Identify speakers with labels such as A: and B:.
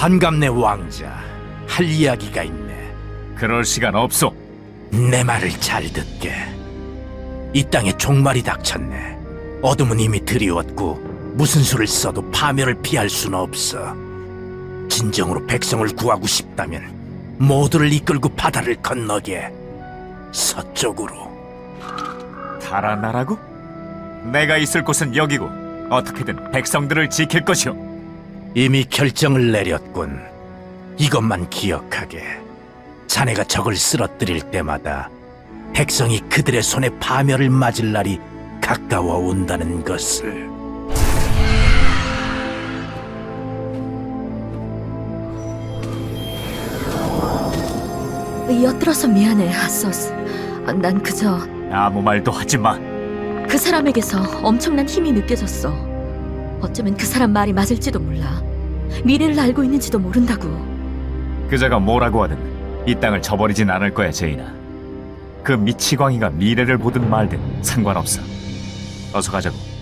A: 반갑네 왕자. 할 이야기가 있네.
B: 그럴 시간 없소.
A: 내 말을 잘 듣게. 이 땅에 종말이 닥쳤네. 어둠은 이미 드리웠고 무슨 수를 써도 파멸을 피할 수는 없어. 진정으로 백성을 구하고 싶다면 모두를 이끌고 바다를 건너게. 서쪽으로.
B: 달아나라고? 내가 있을 곳은 여기고 어떻게든 백성들을 지킬 것이오.
A: 이미 결정을 내렸군. 이것만 기억하게. 자네가 적을 쓰러뜨릴 때마다 백성이 그들의 손에 파멸을 맞을 날이 가까워 온다는 것을.
C: 엿들어서 미안해, 아서스. 난 그저
B: 아무 말도 하지 마.
C: 그 사람에게서 엄청난 힘이 느껴졌어. 어쩌면 그 사람 말이 맞을지도 몰라. 미래를 알고 있는지도 모른다고.
B: 그자가 뭐라고 하든 이 땅을 저버리진 않을 거야, 제이나. 그 미치광이가 미래를 보든 말든 상관없어. 어서 가자고.